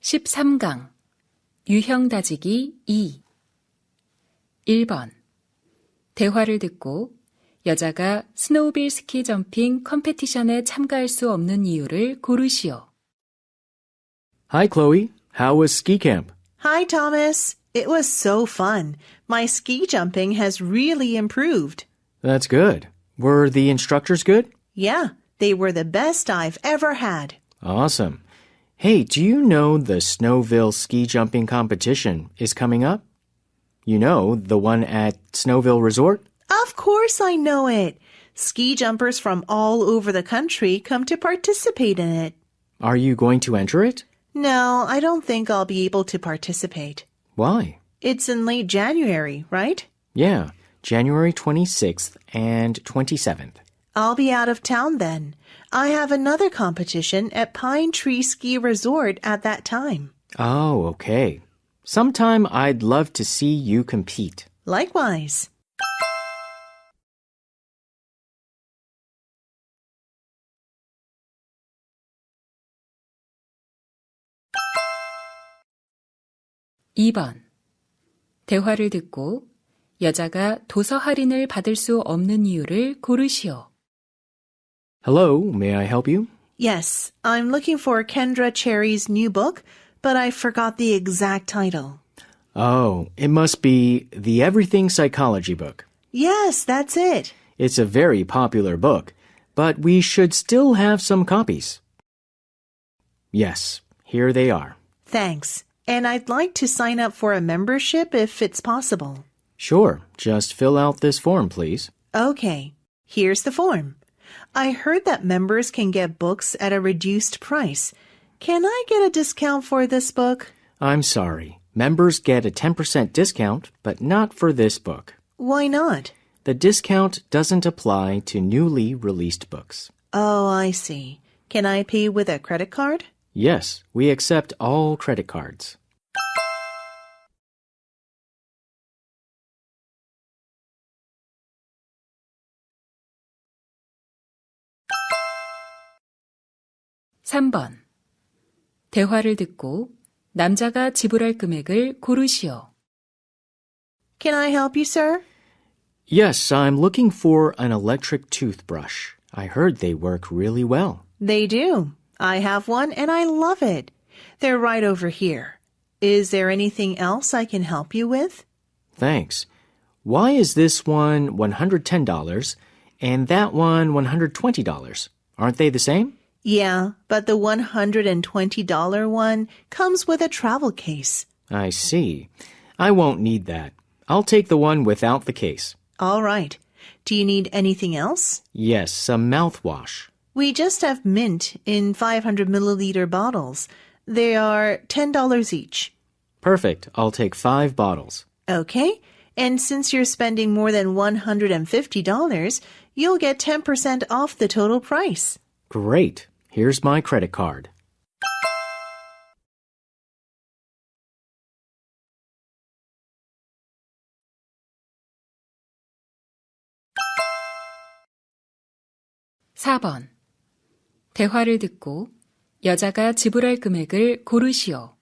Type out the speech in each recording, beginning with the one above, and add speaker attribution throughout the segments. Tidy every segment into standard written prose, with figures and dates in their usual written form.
Speaker 1: 13강 유형 다지기 2 1번 대화를 듣고 여자가 스노우빌 스키 점핑 컴페티션에 참가할 수 없는 이유를 고르시오.
Speaker 2: Hi, Chloe. How was ski camp?
Speaker 3: Hi, Thomas. It was so fun. My ski jumping has really improved.
Speaker 2: That's good. Were the instructors good?
Speaker 3: Yeah, they were the best I've ever had.
Speaker 2: Awesome. Hey, do you know the Snowville ski jumping competition is coming up? You know, the one at Snowville Resort?
Speaker 3: Of course I know it. Ski jumpers from all over the country come to participate in it.
Speaker 2: Are you going to enter it?
Speaker 3: No, I don't think I'll be able to participate.
Speaker 2: Why?
Speaker 3: It's in late January, right?
Speaker 2: Yeah, January 26th and 27th.
Speaker 3: I'll be out of town then. I have another competition at Pine Tree Ski Resort at that time.
Speaker 2: Oh, okay. Sometime I'd love to see you compete.
Speaker 3: Likewise.
Speaker 1: (2번) 대화를 듣고 여자가 도서 할인을 받을 수 없는 이유를 고르시오.
Speaker 2: Hello, may I help you?
Speaker 3: Yes, I'm looking for Kendra Cherry's new book, but I forgot the exact title.
Speaker 2: Oh, it must be the Everything Psychology book.
Speaker 3: Yes, that's it.
Speaker 2: It's a very popular book, but we should still have some copies. Yes, here they are.
Speaker 3: Thanks. And I'd like to sign up for a membership if it's possible.
Speaker 2: Sure, just fill out this form, please.
Speaker 3: Okay, here's the form. I heard that members can get books at a reduced price. Can I get a discount for this book?
Speaker 2: I'm sorry. Members get a 10% discount, but not for this book.
Speaker 3: Why not?
Speaker 2: The discount doesn't apply to newly released books.
Speaker 3: Oh, I see. Can I pay with a credit card?
Speaker 2: Yes, we accept all credit cards.
Speaker 1: (3번) 대화를 듣고 남자가 지불할 금액을 고르시오.
Speaker 3: Can I help you, sir?
Speaker 2: Yes, I'm looking for an electric toothbrush. I heard they work really well.
Speaker 3: They do. I have one and I love it. They're right over here. Is there anything else I can help you with?
Speaker 2: Thanks. Why is this one $110 and that one $120? Aren't they the same?
Speaker 3: Yeah, but the $120 one comes with a travel case.
Speaker 2: I see. I won't need that. I'll take the one without the case.
Speaker 3: All right. Do you need anything else?
Speaker 2: Yes, some mouthwash.
Speaker 3: We just have mint in 500 milliliter bottles. They are $10 each.
Speaker 2: Perfect. I'll take 5 bottles.
Speaker 3: Okay. And since you're spending more than $150, you'll get 10% off the total price.
Speaker 2: Great. Here's my credit card.
Speaker 1: (4번) 대화를 듣고 여자가 지불할 금액을 고르시오.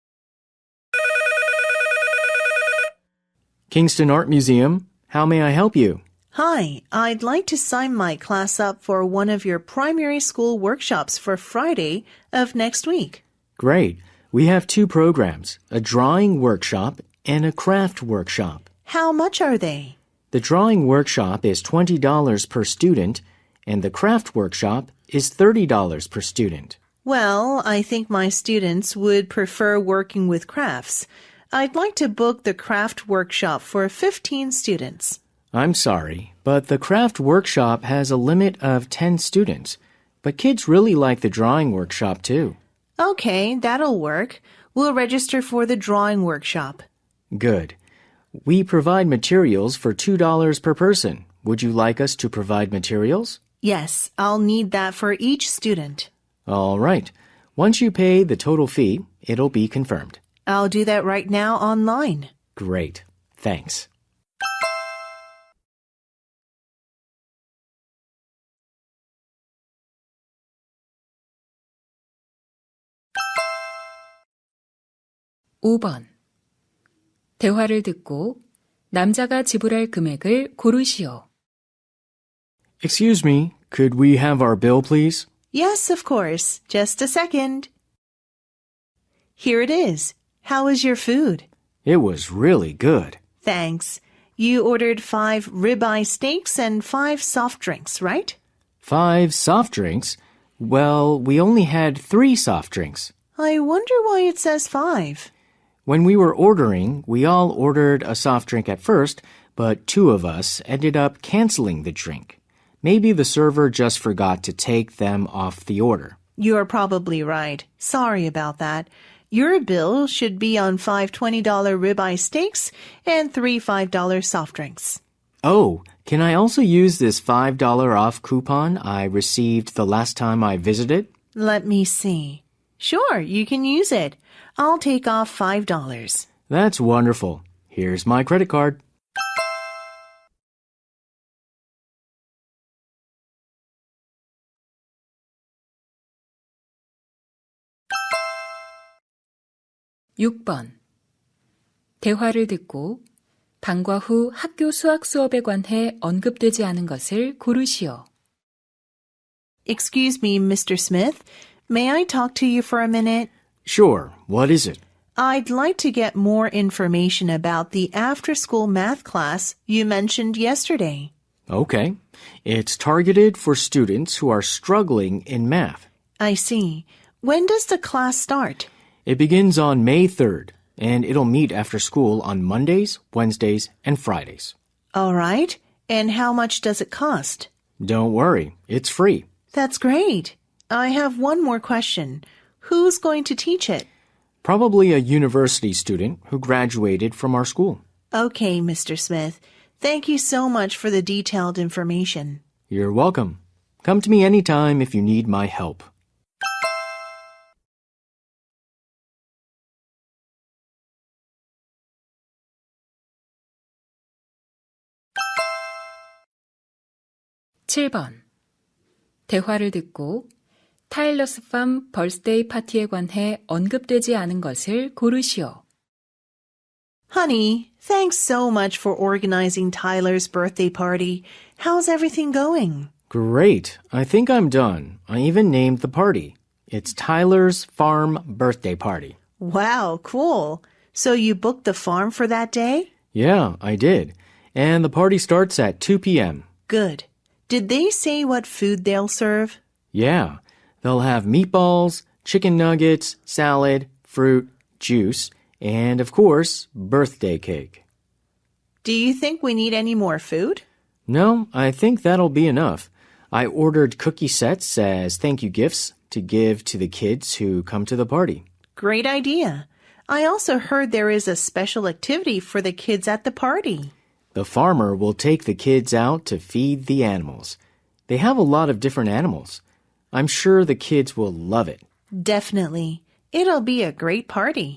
Speaker 2: Kingston Art Museum. How may I help you?
Speaker 3: Hi, I'd like to sign my class up for one of your primary school workshops for Friday of next week.
Speaker 2: Great. We have 2 programs, a drawing workshop and a craft workshop.
Speaker 3: How much are they?
Speaker 2: The drawing workshop is $20 per student, and the craft workshop is $30 per student.
Speaker 3: Well, I think my students would prefer working with crafts. I'd like to book the craft workshop for 15 students.
Speaker 2: I'm sorry, but the craft workshop has a limit of 10 students. But kids really like the drawing workshop too.
Speaker 3: Okay, that'll work. We'll register for the drawing workshop.
Speaker 2: Good. We provide materials for $2 per person. Would you like us to provide materials?
Speaker 3: Yes, I'll need that for each student.
Speaker 2: All right. Once you pay the total fee, it'll be confirmed.
Speaker 3: I'll do that right now online.
Speaker 2: Great. Thanks.
Speaker 1: 5번. 대화를 듣고 남자가 지불할 금액을 고르시오.
Speaker 2: Excuse me, could we have our bill, please?
Speaker 3: Yes, of course. Just a second. Here it is. How was your food?
Speaker 2: It was really good.
Speaker 3: Thanks. You ordered 5 ribeye steaks and 5 soft drinks, right?
Speaker 2: 5 soft drinks? Well, we only had 3 soft drinks.
Speaker 3: I wonder why it says 5.
Speaker 2: When we were ordering, we all ordered a soft drink at first, but 2 of us ended up canceling the drink. Maybe the server just forgot to take them off the order.
Speaker 3: You're probably right. Sorry about that. Your bill should be on 5 $20 ribeye steaks and 3 $5 soft drinks.
Speaker 2: Oh, can I also use this $5 off coupon I received the last time I visited?
Speaker 3: Let me see. Sure, you can use it. I'll take off $5.
Speaker 2: That's wonderful. Here's my credit card.
Speaker 1: (6번) 대화를 듣고 방과 후 학교 수학 수업에 관해 언급되지 않은 것을 고르시오.
Speaker 3: Excuse me, Mr. Smith. May I talk to you for a minute?
Speaker 2: Sure, what is it?
Speaker 3: I'd like to get more information about the after-school math class you mentioned yesterday.
Speaker 2: Okay. It's targeted for students who are struggling in math.
Speaker 3: I see. When does the class start?
Speaker 2: It begins on May 3rd, and it'll meet after school on Mondays, Wednesdays, and Fridays.
Speaker 3: All right. And how much does it cost?
Speaker 2: Don't worry, it's free.
Speaker 3: That's great. I have one more question. Who's going to teach it?
Speaker 2: Probably a university student who graduated from our school.
Speaker 3: Okay, Mr. Smith. Thank you so much for the detailed information.
Speaker 2: You're welcome. Come to me anytime if you need my help.
Speaker 1: (7번) 대화를 듣고 타일러스 팜 벌스데이 파티에 관해 언급되지 않은 것을 고르시오.
Speaker 3: Honey, thanks so much for organizing Tyler's birthday party. How's everything going?
Speaker 2: Great. I think I'm done. I even named the party. It's Tyler's Farm Birthday Party.
Speaker 3: Wow, cool. So you booked the farm for that day?
Speaker 2: Yeah, I did. And the party starts at 2 p.m.
Speaker 3: Good. Did they say what food they'll serve?
Speaker 2: Yeah, they'll have meatballs, chicken nuggets, salad, fruit, juice, and of course, birthday cake.
Speaker 3: Do you think we need any more food?
Speaker 2: No, I think that'll be enough. I ordered cookie sets as thank you gifts to give to the kids who come to the party.
Speaker 3: Great idea. I also heard there is a special activity for the kids at the party.
Speaker 2: The farmer will take the kids out to feed the animals. They have a lot of different animals. I'm sure the kids will love it.
Speaker 3: Definitely. It'll be a great party.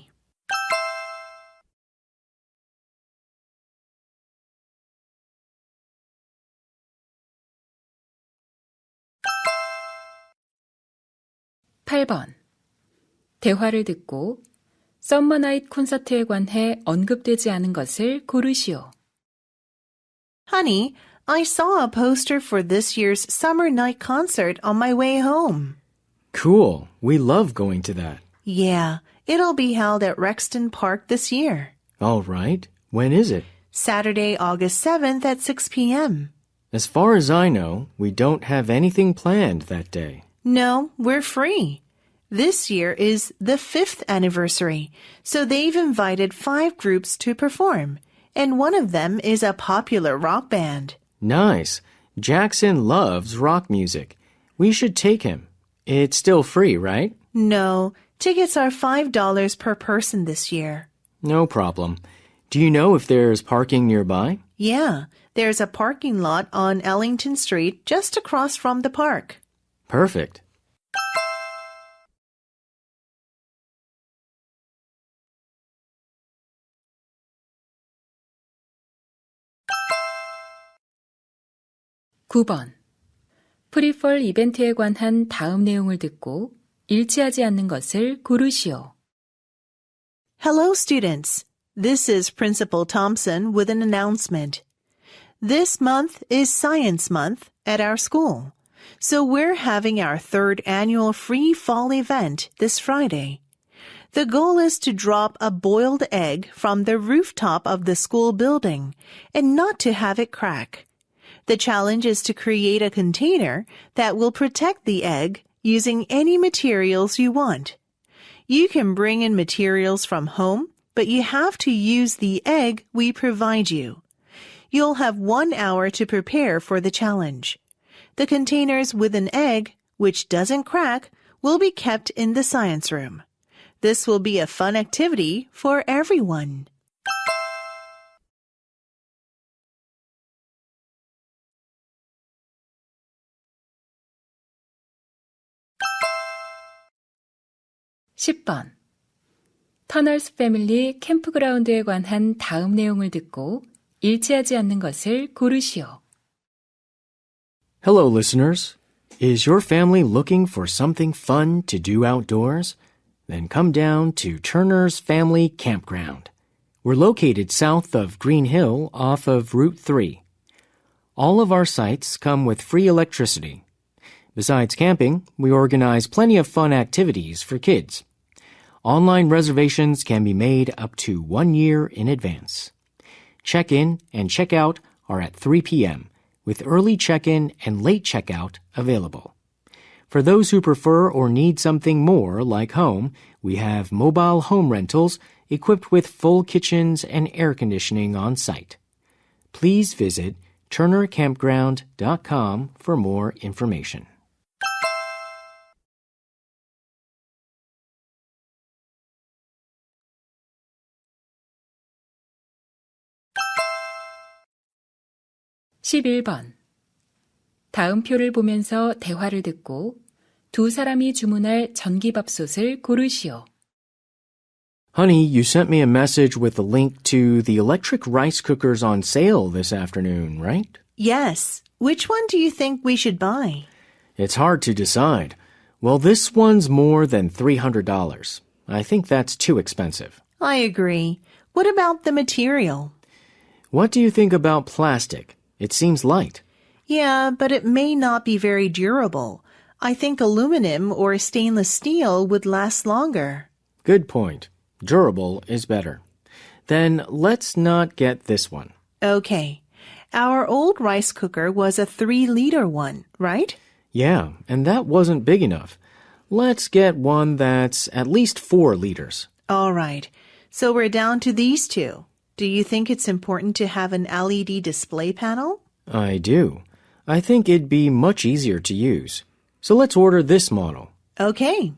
Speaker 1: (8번) 대화를 듣고 썸머 나잇 콘서트에 관해 언급되지 않은 것을 고르시오.
Speaker 3: Honey, I saw a poster for this year's summer night concert on my way home.
Speaker 2: Cool. We love going to that.
Speaker 3: Yeah, it'll be held at Rexton Park this year.
Speaker 2: All right. When is it?
Speaker 3: Saturday, August 7th at 6 p.m.
Speaker 2: As far as I know, we don't have anything planned that day.
Speaker 3: No, we're free. This year is the 5th anniversary, so they've invited 5 groups to perform, and one of them is a popular rock band.
Speaker 2: Nice. Jackson loves rock music. We should take him. It's still free, right?
Speaker 3: No, tickets are $5 per person this year.
Speaker 2: No problem. Do you know if there's parking nearby?
Speaker 3: Yeah, there's a parking lot on Ellington Street just across from the park.
Speaker 2: Perfect.
Speaker 1: (9번) 프리펄 이벤트에 관한 다음 내용을 듣고 일치하지 않는 것을 고르시오.
Speaker 3: Hello, students. This is Principal Thompson with an announcement. This month is Science Month at our school, so we're having our third annual free fall event this Friday. The goal is to drop a boiled egg from the rooftop of the school building and not to have it crack. The challenge is to create a container that will protect the egg using any materials you want. You can bring in materials from home, but you have to use the egg we provide you. You'll have 1 hour to prepare for the challenge. The containers with an egg, which doesn't crack, will be kept in the science room. This will be a fun activity for everyone.
Speaker 1: (10번) 터널스 패밀리 캠프그라운드에 관한 다음 내용을 듣고 일치하지 않는 것을 고르시오.
Speaker 2: Hello, listeners. Is your family looking for something fun to do outdoors? Then come down to Turner's Family Campground. We're located south of Green Hill off of Route 3. All of our sites come with free electricity. Besides camping, we organize plenty of fun activities for kids. Online reservations can be made up to 1 year in advance. Check-in and check-out are at 3 p.m., with early check-in and late check-out available. For those who prefer or need something more like home, we have mobile home rentals equipped with full kitchens and air conditioning on site. Please visit turnercampground.com for more information.
Speaker 1: (11번) 다음 표를 보면서 대화를 듣고 두 사람이 주문할 전기밥솥을 고르시오.
Speaker 2: Honey, you sent me a message with a link to the electric rice cookers on sale this afternoon, right?
Speaker 3: Yes. Which one do you think we should buy?
Speaker 2: It's hard to decide. Well, this one's more than $300. I think that's too expensive.
Speaker 3: I agree. What about the material?
Speaker 2: What do you think about plastic? It seems light.
Speaker 3: Yeah, but it may not be very durable. I think aluminum or stainless steel would last longer.
Speaker 2: Good point. Durable is better. Then let's not get this one.
Speaker 3: Okay. Our old rice cooker was a 3-liter one, right?
Speaker 2: Yeah, and that wasn't big enough. Let's get one that's at least 4 liters.
Speaker 3: All right. So we're down to these two. Do you think it's important to have an LED display panel?
Speaker 2: I do. I think it'd be much easier to use. So let's order this model.
Speaker 3: Okay.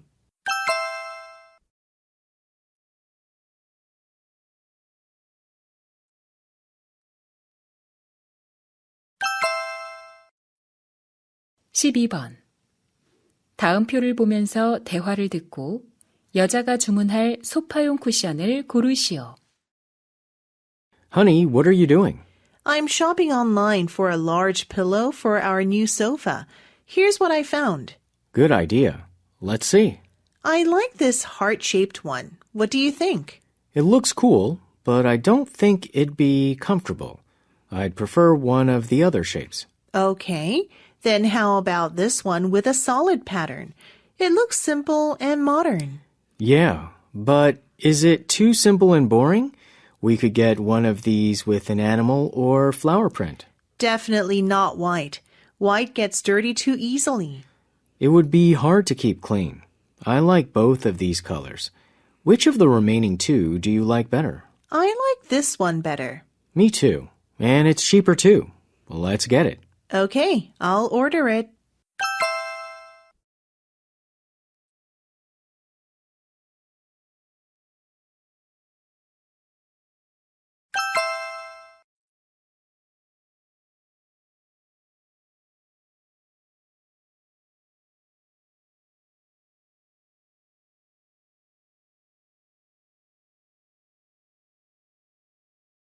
Speaker 1: (12번) 다음 표를 보면서 대화를 듣고 여자가 주문할 소파용 쿠션을 고르시오.
Speaker 2: Honey, what are you doing?
Speaker 3: I'm shopping online for a large pillow for our new sofa. Here's what I found.
Speaker 2: Good idea. Let's see.
Speaker 3: I like this heart-shaped one. What do you think?
Speaker 2: It looks cool, but I don't think it'd be comfortable. I'd prefer one of the other shapes.
Speaker 3: Okay. Then how about this one with a solid pattern? It looks simple and modern.
Speaker 2: Yeah, but is it too simple and boring? We could get one of these with an animal or flower print.
Speaker 3: Definitely not white. White gets dirty too easily.
Speaker 2: It would be hard to keep clean. I like both of these colors. Which of the remaining two do you like better?
Speaker 3: I like this one better.
Speaker 2: Me too. And it's cheaper too. Let's get it.
Speaker 3: Okay, I'll order it.